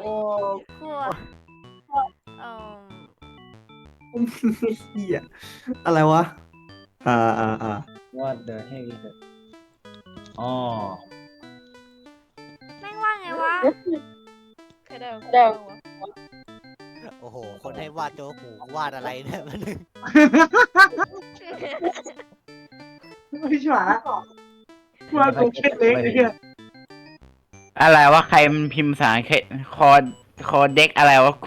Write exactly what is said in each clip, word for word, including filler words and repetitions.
ขั้วเอ่อเหี้ยอะไรวะอ่าอ่าอ่า What the heck is it อ๋อแม่งว่าไงวะใครได้ของกูบ้างวะโอ้โห คนให้วาดโจ๊กหูวาดอะไรเนี่ยมันไม่ใช่ว่ากูแค่เล็กเนี่ยอะไรวะใครมันพิมพ์ภาษาอังกฤษคอคอเด็กอะไรวะ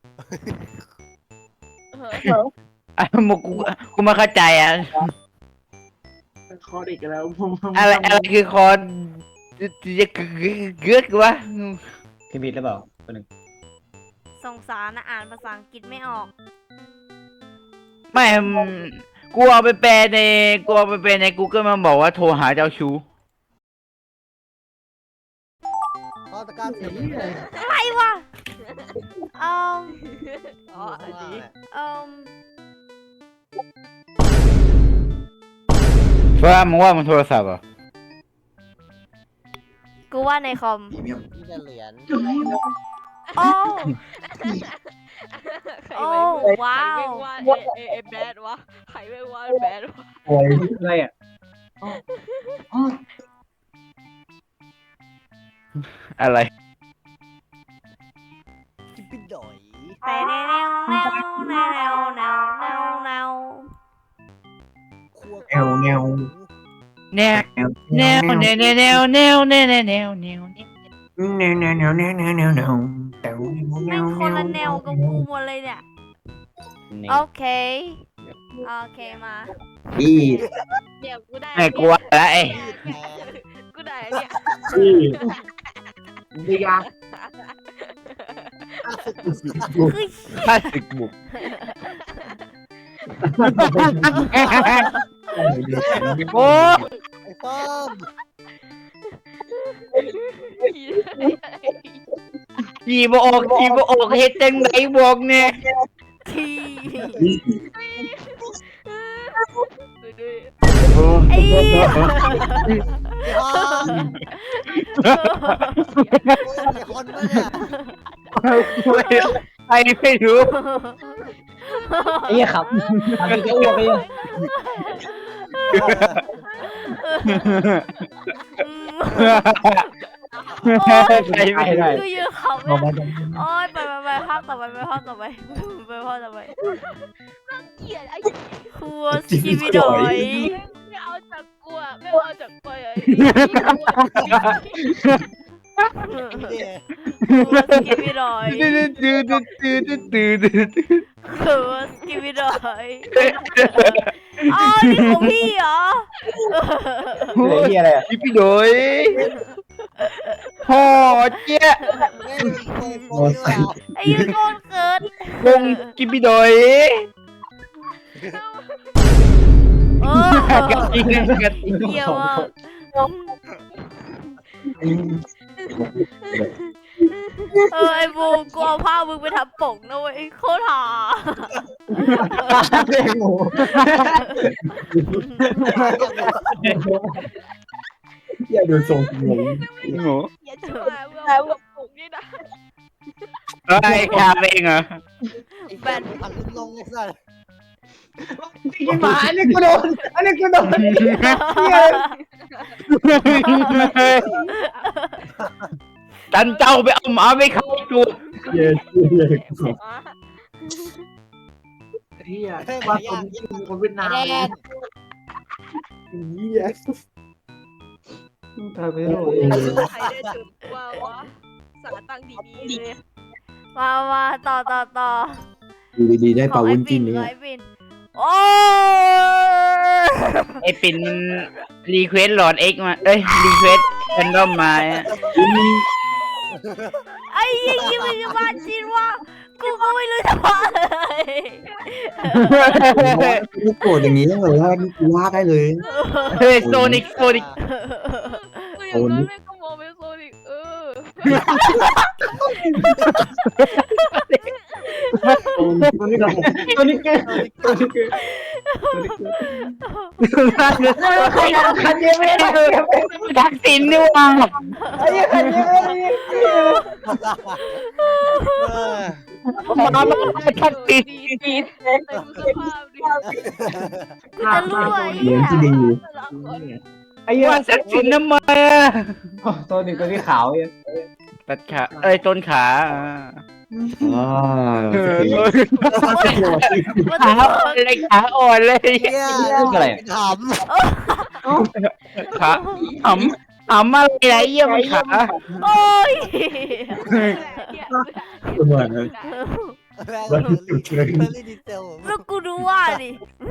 เอออ่ะมึงกูกูไม่เข้าใจอ่ะคอเด็กแล้วผมอะไรอะไรคือคอจะเกือกวะพี่บิดหรือเปล่าคนหนึ่งสงสารนะอ่านภาษาอังกฤษไม่ออกไม่มึงกูเอาไปแปลในกูเอาไปแปลใน Google มันบอกว่าโทรหาเจ้าชู้ข้อตะการสีอะไรวะเอ่ออ๋ออันนี้เอ่อเพราะมึงว่ามันโทรศัพท์เหรอ่ะกูว่าในคอมนี่จะเหรียญโอ้ใครโอ้ไม่ว้าวใครไม่วาดเอเอแบดวะใครไม่วาดแบดวะโอ้ยอะไรอ่ะอะไรจิบปิ้ดอยแต่แนวแนวแนวแนวแนวแนวแนวแนวคั่วแนวแนวแนวแนวแนวแนวแนวแนวแนวแนวแนวแนวแนวแนวแนวแนวแนวแนวแต่วแม่งคนละแนวกับกูหมดเลยเนี่ย โอเค โอเคมาอีเดี๋ยวกูได้ไอ้กูว่าแล้วไอ้กูได้เนี่ยอีดีกาคือพลาสติกบุก โอ้ไอ้ป้อมขี่บออกขี่บออกเฮ็ดจังไหนบอกเนี่ยทีดูดูไอ้เหี้ยไอ้ป้อมไอ้คนมาเนี่ยใครไม่รู้ไอ้เหี้ยครับทำเป็นจะอ้วกไปยังอืมโอ้ยใครไม่ได้กูยืนขำเลยโอ้ยไปไปไปภาคต่อไปไปภาคต่อไปไปภาคต่อไปเกลียดไอ้ครัวสกิบิดอยไม่เอาจากกูอะไม่เอาจากกูอะเนี่ยครัวสกิบิดอยตื้อตื้อตื้อตื้อตื้อตื้อครัวสกิบิดอยอ๋อนี่ของพี่เหรอไอ้เหี้ยอะไรอ่ะพี่พี่โดยพ่อเจ๊ะแม่งโกงโกงเนี่ยไอ้ยืนโกนเกิดวงกิพี่โดยโอ้กระติงกระติงเยี่ยมมากเออไอ้บูกูเอาผ้ามึงไปทำปกนะเว้ยโคตรหาอย่าดูทรงผมโง่อย่าชิบหายมึงเอากับปลุกนี่นะไอ้คาเองเหรอแบนพันลิ้นลงไอ้สัสที่หมาอันนี้กูโดนอันนี้กูโดนตันเจ้าไปเอาหมาไปขายกูเย้เย้อ๋อเฮียว่าคนคนเวียดนามแดนเฮียตายไปแล้วใครได้จุดว่าวะสาตั้งดีๆเลยมามาต่อต่อต่อดูดีๆได้ขปลาองวุ้ไอ้นปิจิ้นนเนี่ขยองไอ้ปินโอ้ยไอ้ปิ่นมันรีเควสหลอดเอ็กมาเอ้ยรีเควสแอนดอมมาไอ้ยี่ยี่มันจะมาจินว่ากูก็ไม่รู้จะว่าอะไรกูโกรธอย่างนี้เลยว่ากูว่าได้เลยเฮ้ยโซนิกโซนิกคืออย่างนั้นแม่งก็มองเป็นโซนิกเออตัวนี้ตัวนี้เกินตัวนี้เกินคันเดียวไม่ได้ทักษิณนี่ว่าไอ้คันเดียวไม่ได้เออมามาทักติดดีแต่ดูสภาพดิกูจะรู้ไอ้เหรีเหี้ยญยที่ดีไอ้เหี้ยว่าสักสินทำไมอ่ะตัวหนึ่งตัวที่ขาวเนี่ยตัดขาเอ้ยต้นขาอ่าอ๋อเออขาอ่อนเลยขาอ่อนเลยเฮียอะไรถามขาหำหำอะไรไรเยี่ยมขาโอ้ยเหมือนแล้วรีดีเซลแล้วกูดูว่าดิ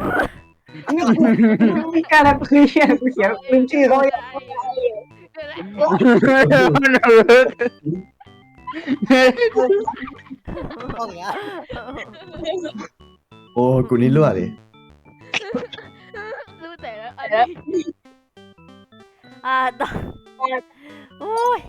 ไม่กล้าแล้วคือเขียนกูเขียนลืมชื่อเขาไปต้องอย่างเงี้ยโอ้กูนี่รั่วดิรู้แต่แล้วอันนี้อ่าต่อโอ้ย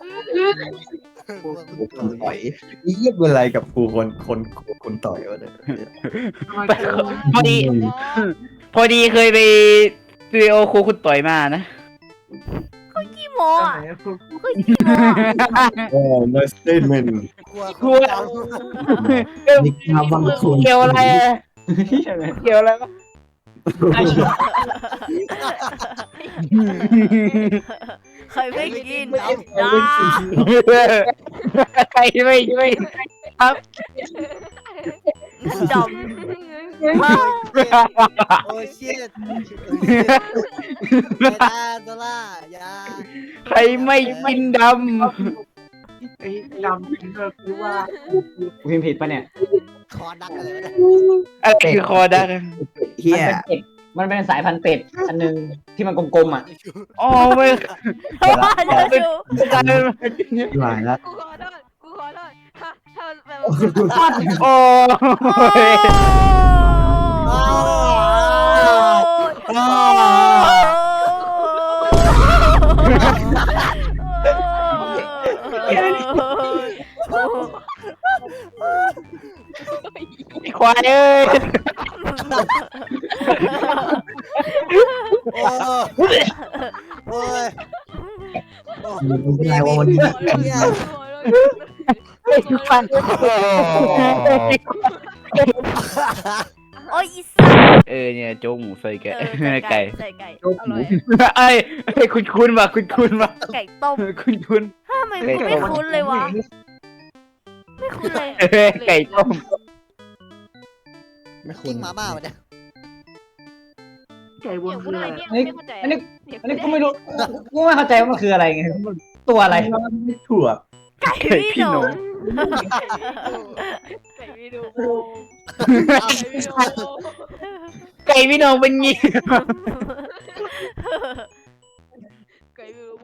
คนต่อยนี่เยี่ยเป็นอะไรกับกูคนคนคนต่อยวะเนี่ยพอดี พอดีเคยไปสตูดิโอครูคุณต่อยมานะขี้โมอ่ะก็ขี้โมอ่ะโอ้ no statement กลัวกลัวนี่มาบังคุณเกี่ยวอะไรอะเกี่ยวอะไรวะใครไม่กินนะใครไม่ไม่ครับจอมโอ้ชิตเวลาดอลลาร์ยาใครไม่กินดไอ้ดำเป็นก็คือว่ากูพิมพ์ผิดปะเนี่ยคอดักอะไรวะเนี่ยำอะไรคือคอดักเฮียมันเป็นเป็ดมันเป็นสายพันธุ์เป็ดอันนึงที่มันกลมๆอ่ะอ๋อไม่จะดูการหลายละกูขอโทษกูขอโทษถ้าถ้าแบบโอ้ควายเอ้ยโอ้โอ้ยไงว่าวันนี้ไอ้ฟันโอ้ยอีสัตว์เออเนี่ยโจ๊กหมูใส่ไก่เออไก่ใส่ไก่อร่อยไอ้ไอ้คุณคุณมาคุณคุณมาไก่ต้มคุณคุณทำไมกูไม่คุ้นเลยวะไม่คุ้นเลยเออไก่ต้มไม่คุกิ้ณงมาม่ามาเนี่ยไก่บเดี๋นยวกูคือได้อะไรเนี่ยนี่ไม่เข้าใจอันนี้เดี๋ยวอันนี้กูไม่รู้กูไม่เข้าใจว่ามันคืออะไรไงตัวอะไรถั่วไก่พี่หนูไก่วิดูไก่พี่น้องเป็นงี้ไก่วิดู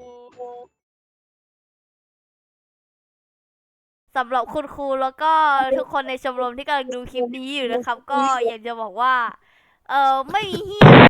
สำหรับคุณครูแล้วก็ทุกคนในชมรมที่กำลังดูคลิปนี้อยู่นะครับ ก็อยากจะบอกว่า เออไม่มีเฮีย